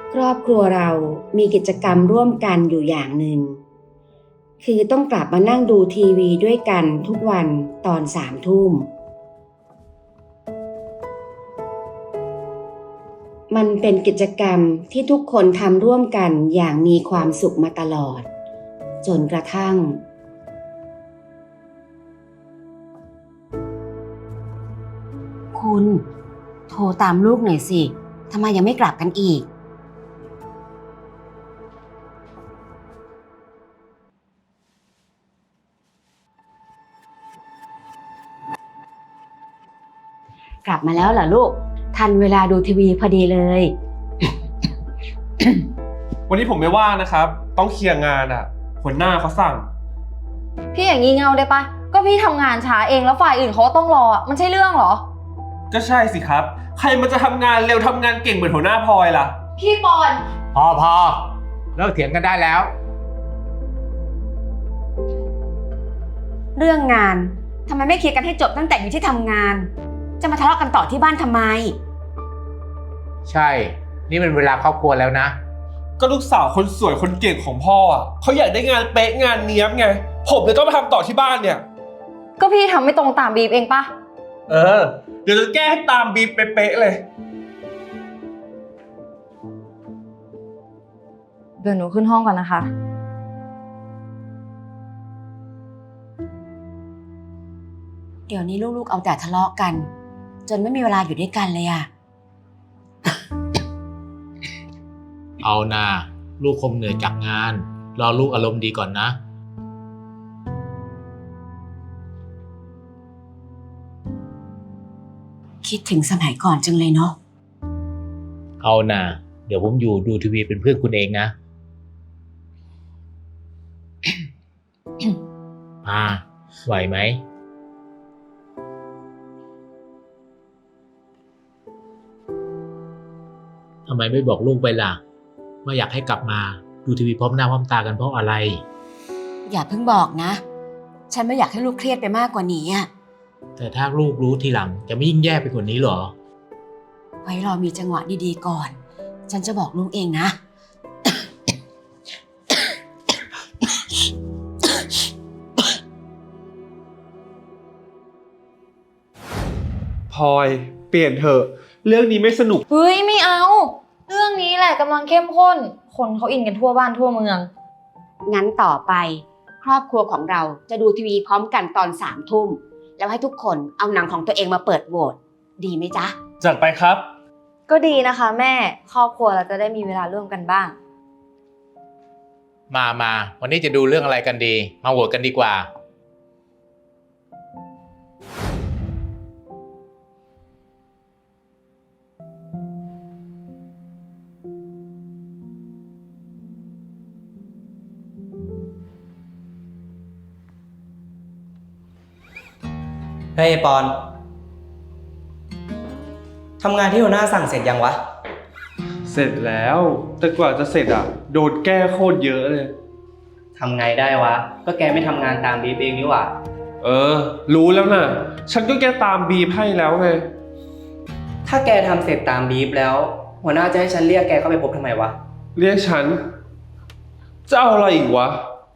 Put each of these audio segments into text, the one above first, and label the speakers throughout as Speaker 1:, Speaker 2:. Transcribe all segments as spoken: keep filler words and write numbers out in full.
Speaker 1: ครอบครัวเรามีกิจกรรมร่วมกันอยู่อย่างหนึ่งคือต้องกลับมานั่งดูทีวีด้วยกันทุกวันตอนสามทุ่มมันเป็นกิจกรรมที่ทุกคนทำร่วมกันอย่างมีความสุขมาตลอดจนกระทั่งคุณโทรตามลูกหน่อยสิทำไมยังไม่กลับกันอีกกลับมาแล้วเหรอลูกทันเวลาดูทีวีพอดีเลย
Speaker 2: วันนี้ผมไม่ว่างนะครับต้องเคลียร์งานอ่ะหัวหน้าเขาสั่ง
Speaker 3: พี่อย่างงี้เงาได้ปะก็พี่ทำงานช้าเองแล้วฝ่ายอื่นเขาต้องรอมันใช่เรื่องเหรอ
Speaker 2: ก็ใช่สิครับใครมันจะทำงานเร็วทำงานเก่งเหมือนหัวหน้าพลอยล่ะ
Speaker 3: พี่ปอน
Speaker 4: พอพอเลิกเถียงกันได้แล้ว
Speaker 1: เรื่องงานทำไมไม่เคลียร์กันให้จบตั้งแต่อยู่ที่ทำงานจะมาทะเลาะกันต่อที่บ้านทำไม
Speaker 4: ใช่นี่เป็นเวลาครอบครัวแล้วนะ
Speaker 2: ก็ลูกสาวคนสวยคนเก่งของพ่ออ่ะเขาอยากได้งานเป๊ะงานเนี้ยบไงผมเลยต้องมาทำต่อที่บ้านเนี่ย
Speaker 3: ก็พี่ทำไม่ตรงตามบีบเองปะ
Speaker 2: เออเดี๋ยวจะแก้ให้ตามบีบเป๊ะๆเลย
Speaker 3: เดี๋ยวหนูขึ้นห้องก่อนนะคะ
Speaker 1: เดี๋ยวนี้ลูกๆเอาแต่ทะเลาะกันจนไม่มีเวลาอยู่ด้วยกันเลยอะ
Speaker 4: เอานาลูกคงเหนื่อยจากงานรอลูกอารมณ์ดีก่อนนะ
Speaker 1: คิดถึงสมัยก่อนจังเลยเนาะ
Speaker 4: เอานาเดี๋ยวผมอยู่ดูทีวีเป็นเพื่อนคุณเองนะ อ่าไหวไหมทำไมไม่บอกลูกไปล่ะว่าอยากให้กลับมาดูทีวีพร้อมหน้าพร้อมตากันเพราะอะไร
Speaker 1: อย่าเพิ่งบอกนะฉันไม่อยากให้ลูกเครียดไปมากกว่านี้อะ
Speaker 4: แต่ถ้าลูกรู้ทีหลังจะไม่ยิ่งแย่ไปกว่านี้หรอ
Speaker 1: ไว้รอมีจังหวะดีๆก่อนฉันจะบอกลูกเองนะ
Speaker 2: พลอยเปลี่ยนเถอะเรื่องนี้ไม่สนุก
Speaker 3: เฮ้ยไม่เอาเรื่องนี้แหละกำลังเข้มข้นคนเขาอินกันทั่วบ้านทั่วเมือง
Speaker 1: งั้นต่อไปครอบครัวของเราจะดูทีวีพร้อมกันตอนสามทุ่มแล้วให้ทุกคนเอาหนังของตัวเองมาเปิดโหวตดีไหมจ๊ะ
Speaker 2: จัดไปครับ
Speaker 3: ก็ดีนะคะแม่ครอบครัวเราจะได้มีเวลาร่วมกันบ้าง
Speaker 4: มามาวันนี้จะดูเรื่องอะไรกันดีมาโหวตกันดีกว่า
Speaker 5: เฮ้ยปอนทำงานที่หัวหน้าสั่งเสร็จยังวะ
Speaker 2: เสร็จแล้วแต่กว่าจะเสร็จอ่ะโดนแก้โคตรเยอะเลย
Speaker 5: ทำไงได้วะก็แกไม่ทำงานตามบีฟเองนี่หว่า
Speaker 2: เออรู้แล้วนะฉันก็แก้ตามบีบให้แล้วไง
Speaker 5: ถ้าแกทำเสร็จตามบีฟแล้วหัวหน้าจะให้ฉันเรียกแกเข้าไปพบทำไมวะ
Speaker 2: เรียกฉันจะเอาอะไรอีกวะ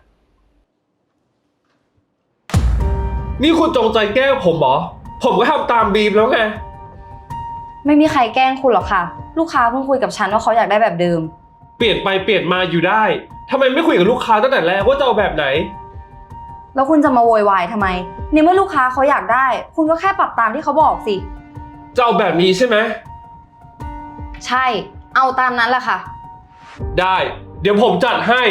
Speaker 2: นี่คุณจงใจแกล้งผมเหรอผมก็ทำตามบีบแล้วไง
Speaker 3: ไม่มีใครแกล้งคุณหรอกค่ะลูกค้าเพิ่งคุยกับฉันว่าเขาอยากได้แบบเดิม
Speaker 2: เปลี่ยนไปเปลี่ยนมาอยู่ได้ทำไมไม่คุยกับลูกค้าตั้งแต่แรกว่าจะเอาแบบไหน
Speaker 3: แล้วคุณจะมาโวยวายทำไมในเมื่อลูกค้าเขาอยากได้คุณก็แค่ปรับตามที่เขาบอกสิ
Speaker 2: จะเอาแบบนี้ใช่ไหม
Speaker 3: ใช่เอาตามนั้นแหละค่ะ
Speaker 2: ได้เดี๋ยวผมจัดให้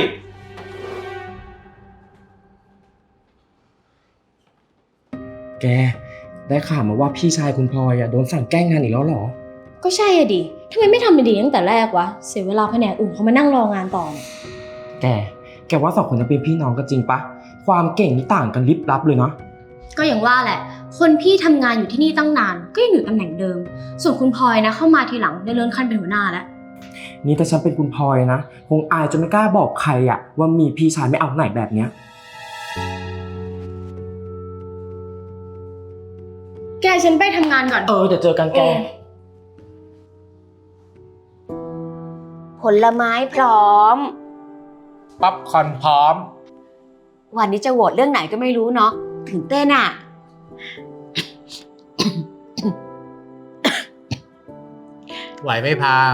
Speaker 6: แกได้ข่าวมาว่าพี่ชายคุณพลอยอะโดนสั่งแกล้งงานอีกแล้วเหรอ
Speaker 7: ก็ใช่อะดิทำไมไม่ทำเป็นดีตั้งแต่แรกวะเสียเวลาแผนกอื่นเขามานั่งรองานต่อเนี่ย
Speaker 6: แกแกว่าสองคนนั้นเป็นพี่น้องกันจริงปะความเก่งนี่ต่างกันลิบลับเลยเนาะ
Speaker 7: ก็อย่างว่าแหละคนพี่ทำงานอยู่ที่นี่ตั้งนานก็ยังอยู่ตำแหน่งเดิมส่วนคุณพลอยนะเข้ามาทีหลังได้เลื่อนขั้นเป็นหัวหน้าแล้ว
Speaker 6: นี่ถ้าฉันเป็นคุณพลอยนะคงอายจนไม่กล้าบอกใครอะว่ามีพี่ชายไม่เอาไหนแบบเนี้ย
Speaker 7: แกฉันไปทำงานก่อน
Speaker 6: เออเดี๋ยวเจอกันแก
Speaker 1: ผลไม้พร้อม
Speaker 4: ป๊อปคอร์นพร้อม
Speaker 1: วันนี้จะโหวตเรื่องไหนก็ไม่รู้เนาะถึงเต้นอ่ะ
Speaker 4: ไหวไหมพา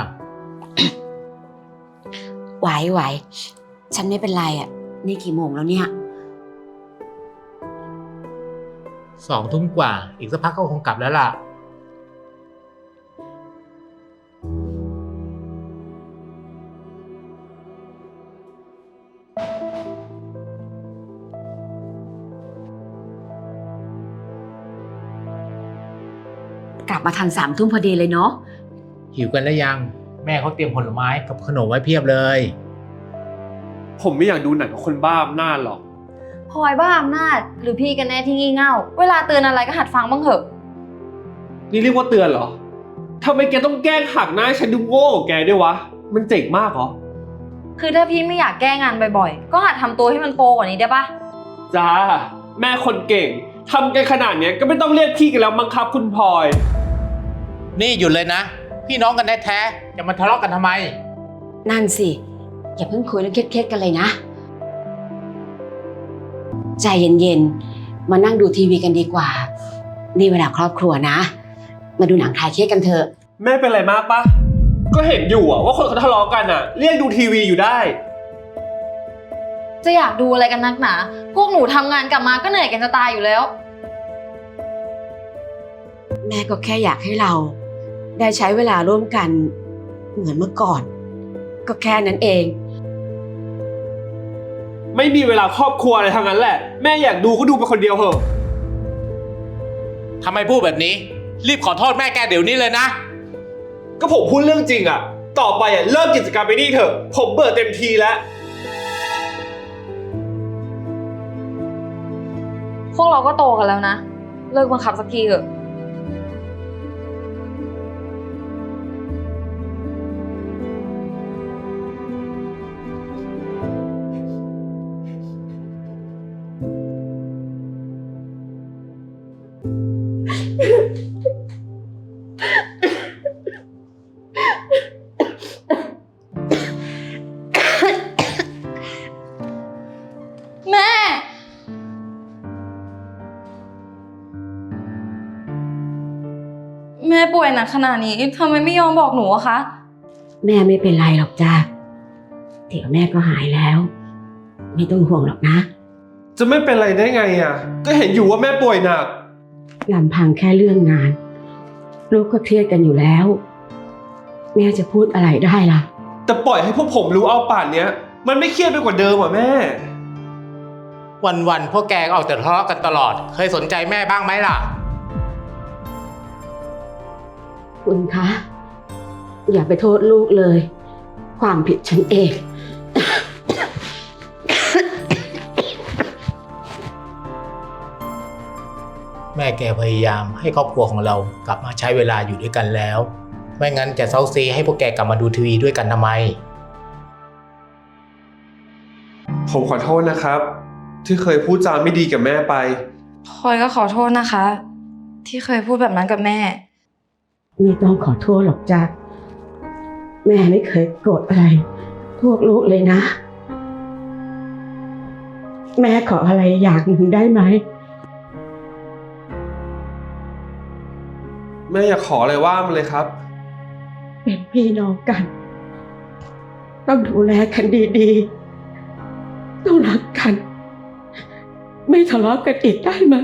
Speaker 1: ไหวไหวฉันไม่เป็นไรอ่ะ นี่กี่โมงแล้วเนี่ย
Speaker 4: สองทุ่มกว่า อีกสักพักก็คงกลับแล้วล่ะ
Speaker 1: กลับมาทันสามทุ่มพอดีเลยเนาะ
Speaker 4: หิวกันแล้วยัง แม่เขาเตรียมผลไม้กับขนมไว้เพียบเลย
Speaker 2: ผมไม่อยากดูหนังกับคนบ้าอำนาจหรอก
Speaker 3: พลอยบ้าอำนาจหรือพี่กันแน่ที่งี่เง่า เวลาเตือนอะไรก็หัดฟังบ้างเถอะ
Speaker 2: นี่เรียกว่าเตือนเหรอทำไมแกต้องแกล้งหักหน้าให้ฉันดูโง่กว่าแกด้วยวะ มันเจ๋งมากเหรอ
Speaker 3: คือถ้าพี่ไม่อยากแก้งานบ่อยๆ ก็หัดทำตัวให้มันโปรกว่านี้ได้ปะ
Speaker 2: จ้า แม่คนเก่งทำกันขนาดเนี้ยก็ไม่ต้องเรียกพี่กันแล้วมั้งครับคุณพลอย
Speaker 4: นี่หยุดเลยนะ พี่น้องกันแท้ๆจะมาทะเลาะกันทำไม
Speaker 1: นั่นสิ อย่าเพิ่งคุยเรื่องเครียดๆกันเลยนะ ใจเย็นๆ มานั่งดูทีวีกันดีกว่า นี่เวลาครอบครัวนะ มาดูหนังคลายเครียดกันเถอะ
Speaker 2: แม่เป็นไรมากปะก็เห็นอยู่อะว่าคนเขาทะเลาะกันอะเรียกดูทีวีอยู่ได้
Speaker 3: จะอยากดูอะไรกันนักหนา พวกหนูทำงานกลับมาก็เหนื่อยกันจะตายอยู่แล้ว
Speaker 1: แม่ก็แค่อยากให้เรา ได้ใช้เวลาร่วมกันเหมือนเมื่อก่อน ก็แค่นั้นเอง
Speaker 2: ไม่มีเวลาครอบครัวอะไรทั้งนั้นแหละ แม่อยากดูก็ดูไปคนเดียวเถอะ
Speaker 4: ทำไมพูดแบบนี้ รีบขอโทษแม่แกเดี๋ยวนี้เลยนะ
Speaker 2: ก็ผมพูดเรื่องจริงอะต่อไปอะเลิกกิจกรรมไปนี่เถอะผมเบื่อเต็มทีแล้ว
Speaker 3: พวกเราก็โตกันแล้วนะ เลิกบังคับสักทีเถอะ แม่ แม่ป่วยหนักขนาดนี้ทำไมไม่ยอมบอกหนูอะคะ
Speaker 1: แม่ไม่เป็นไรหรอกจ้าเดี๋ยวแม่ก็หายแล้ว ไม่ต้องห่วงหรอกนะ
Speaker 2: จะไม่เป็นไรได้ไงอะก็เห็นอยู่ว่าแม่ป่วยหนัก
Speaker 1: ลำพังแค่เรื่องงาน ลูกก็เครียดกันอยู่แล้ว แม่จะพูดอะไรได้ล่ะ
Speaker 2: แต่ปล่อยให้พวกผมรู้เอาป่านเนี้ย มันไม่เครียดไปกว่าเดิมอ่ะแม่
Speaker 4: วันๆพวกแกก็ออกแต่ทะเลาะกันตลอด เคยสนใจแม่บ้างไหมล่ะ
Speaker 1: คุณคะ อย่าไปโทษลูกเลย ความผิดฉันเอง
Speaker 4: แม่แกพยายามให้ครอบครัวของเรากลับมาใช้เวลาอยู่ด้วยกันแล้ว ไม่งั้นจะเซาซีให้พวกแกกลับมาดูทีวีด้วยกันทำไม
Speaker 2: ผมขอโทษนะครับ ที่เคยพูดจาไม่ดีกับแม่ไป
Speaker 3: พลอยก็ขอโทษนะคะ ที่เคยพูดแบบนั้นกับแม่
Speaker 1: ไม่ต้องขอโทษหรอกจ้าแม่ไม่เคยโกรธอะไร พวกลูกเลยนะ แม่ขออะไรอย่างหนึ่งได้ไหม
Speaker 2: แม่อยากขออะไรว่ามาเลยครับ
Speaker 1: เป็นพี่น้องกัน ต้องดูแลกันดีๆ ต้องรักกัน ไม่ทะเลาะกันอีกได้ไหม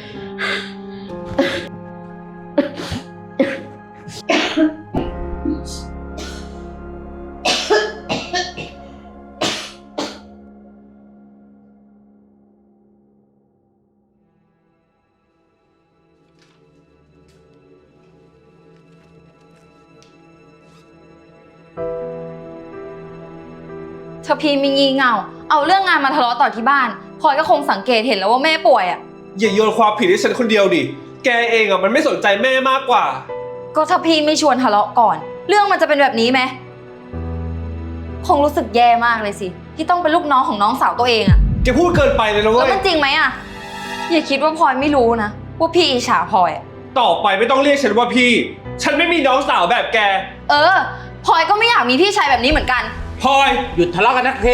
Speaker 3: ถ้าพี่มีงี่เง่า เอาเรื่องงานมาทะเลาะต่อที่บ้านพลอยก็คงสังเกตเห็นแล้วว่าแม่ป่วยอ่ะ
Speaker 2: อย่าโยนความผิดให้ฉันคนเดียวดิ แกเองอ่ะมันไม่สนใจแม่มากกว่า
Speaker 3: ก็ถ้าพี่ไม่ชวนทะเลาะก่อน เรื่องมันจะเป็นแบบนี้ไหม คงรู้สึกแย่มากเลยสิ ที่ต้องเป็นลูกน้องของน้องสาวตัวเองอะ
Speaker 2: แกพูดเกินไปเลยนะ
Speaker 3: แล้
Speaker 2: เว้
Speaker 3: วย มันจริงไหมอะอย่าคิดว่าพลอยไม่รู้นะว่าพี่อิจฉาพลอยอะ
Speaker 2: ต่อไปไม่ต้องเรียกฉันว่าพี่ ฉันไม่มีน้องสาวแบบแก
Speaker 3: เออพลอยก็ไม่อยากมีพี่ชายแบบนี้เหมือนกัน
Speaker 2: พลอย
Speaker 4: หยุดทะเลาะกันนักที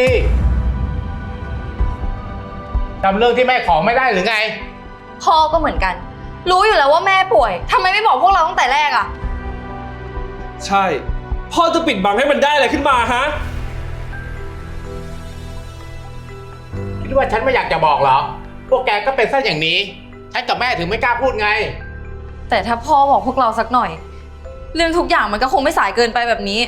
Speaker 4: จำเรื่องที่แม่ขอไม่ได้หรือไง
Speaker 3: พ่อก็เหมือนกัน รู้อยู่แล้วว่าแม่ป่วยทำไมไม่บอกพวกเราตั้งแต่แรกอะ
Speaker 2: ใช่ พ่อจะปิดบังให้มันได้อะไรขึ้นมาฮะ
Speaker 4: คิดว่าฉันไม่อยากจะบอกเหรอ พวกแกก็เป็นซะอย่างนี้ ฉันกับแม่ถึงไม่กล้าพูดไง
Speaker 3: แต่ถ้าพ่อบอกพวกเราสักหน่อย เรื่องทุกอย่างมันก็คงไม่สายเกินไปแบบนี้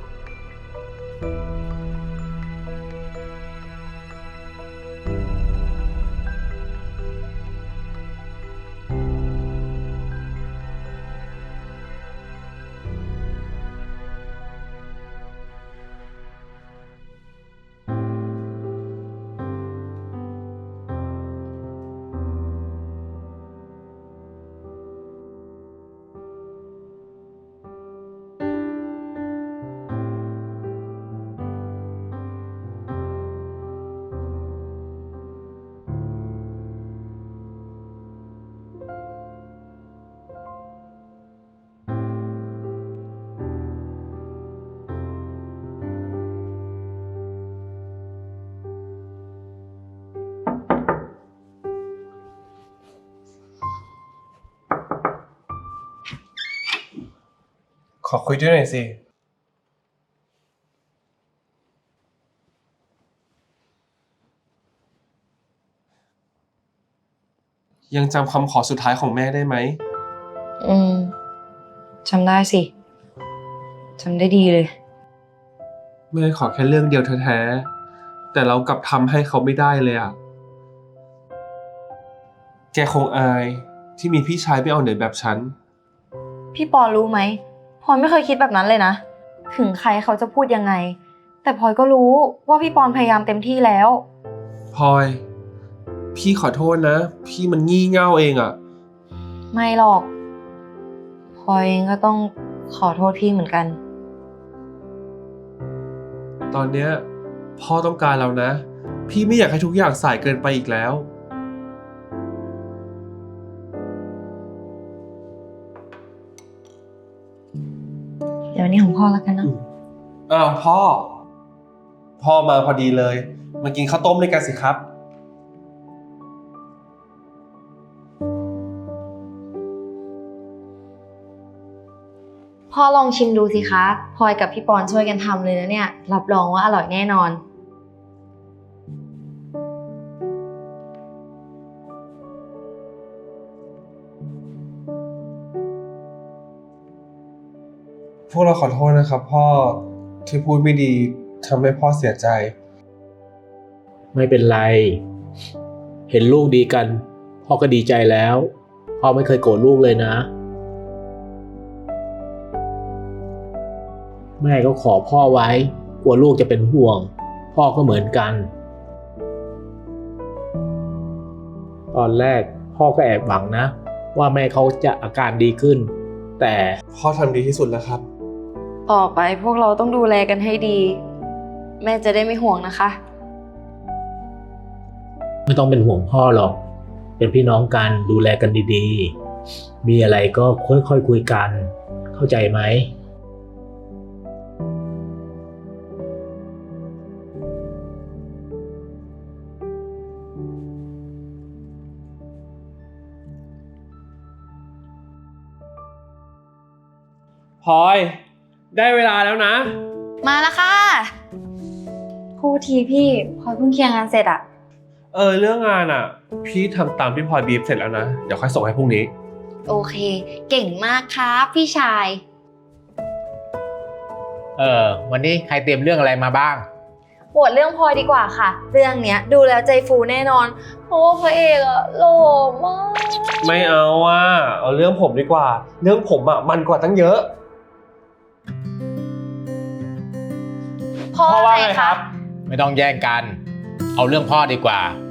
Speaker 2: ขอคุยด้วยหน่อยสิ ยังจำคำขอสุดท้ายของแม่ได้ไหม
Speaker 3: อืมจำได้สิจำได้ดีเลย
Speaker 2: แม่ขอแค่เรื่องเดียวแท้ๆแต่เรากลับทำให้เขาไม่ได้เลยอ่ะ แกคงอายที่มีพี่ชายไม่เอาไหนแบบฉัน
Speaker 3: พี่ปอรู้ไหมพลอยไม่เคยคิดแบบนั้นเลยนะ ถึงใครเขาจะพูดยังไง แต่พลอยก็รู้ว่าพี่ปอนพยายามเต็มที่แล้ว
Speaker 2: พลอย พี่ขอโทษนะ พี่มันงี่เง่าเองอ่ะ
Speaker 3: ไม่หรอกพลอยเองก็ต้องขอโทษพี่เหมือนกัน
Speaker 2: ตอนเนี้ยพ่อต้องการเรานะ พี่ไม่อยากให้ทุกอย่างสายเกินไปอีกแล้ว
Speaker 3: เดี๋ยวนี้ของพ่อแล้วกันเนาะ
Speaker 2: อ้าวพ่อ พ่อมาพอดีเลย มากินข้าวต้มด้วยกันสิครับ
Speaker 3: พ่อลองชิมดูสิคะพลอยกับพี่ปอนช่วยกันทำเลยนะเนี่ยรับรองว่าอร่อยแน่นอน
Speaker 2: พวกเราขอโทษนะครับพ่อที่พูดไม่ดีทำให้พ่อเสียใจ
Speaker 4: ไม่เป็นไร เห็นลูกดีกัน พ่อก็ดีใจแล้ว พ่อไม่เคยโกรธลูกเลยนะ แม่ก็ขอพ่อไว้ กลัวลูกจะเป็นห่วง พ่อก็เหมือนกัน ตอนแรกพ่อก็แอบหวังนะ ว่าแม่เขาจะอาการดีขึ้น แต่
Speaker 2: พ่อทำดีที่สุดแล้วครับ
Speaker 3: ต่อไปพวกเราต้องดูแลกันให้ดี แม่จะได้ไม่ห่วงนะคะ
Speaker 4: ไม่ต้องเป็นห่วงพ่อหรอก เป็นพี่น้องกันดูแลกันดีๆ มีอะไรก็ค่อยๆ คคุยกัน เข้าใจไหม
Speaker 2: พลอย ได้เวลาแล้วนะ
Speaker 3: มาแล้วค่ะพูดทีพี่พลอยเพิ่งเคลียร์งานเสร็จอะ
Speaker 2: เออเรื่องงานอ่ะ พี่ทำตามที่พลอยบีฟเสร็จแล้วนะ เดี๋ยวค่อยส่งให้พรุ่งนี้
Speaker 3: โอเค เก่งมากครับพี่ชาย
Speaker 4: เออ วันนี้ใครเตรียมเรื่องอะไรมาบ้าง
Speaker 3: โหวตเรื่องพลอยดีกว่าค่ะ เรื่องเนี้ยดูแล้วใจฟูแน่นอน เพราะว่าพระเอกอะหล่อมาก
Speaker 2: ไม่เอาอ่ะ เอาเรื่องผมดีกว่า เรื่องผมอ่ะมันกว่าตั้งเยอะ
Speaker 3: พ่อ
Speaker 2: พ่อว่า
Speaker 3: ไง
Speaker 2: ไง
Speaker 3: ค
Speaker 2: ครั
Speaker 3: รับ
Speaker 2: บ
Speaker 4: ไม่ต้องแย่งกัน เอาเรื่องพ่อดีกว่า พ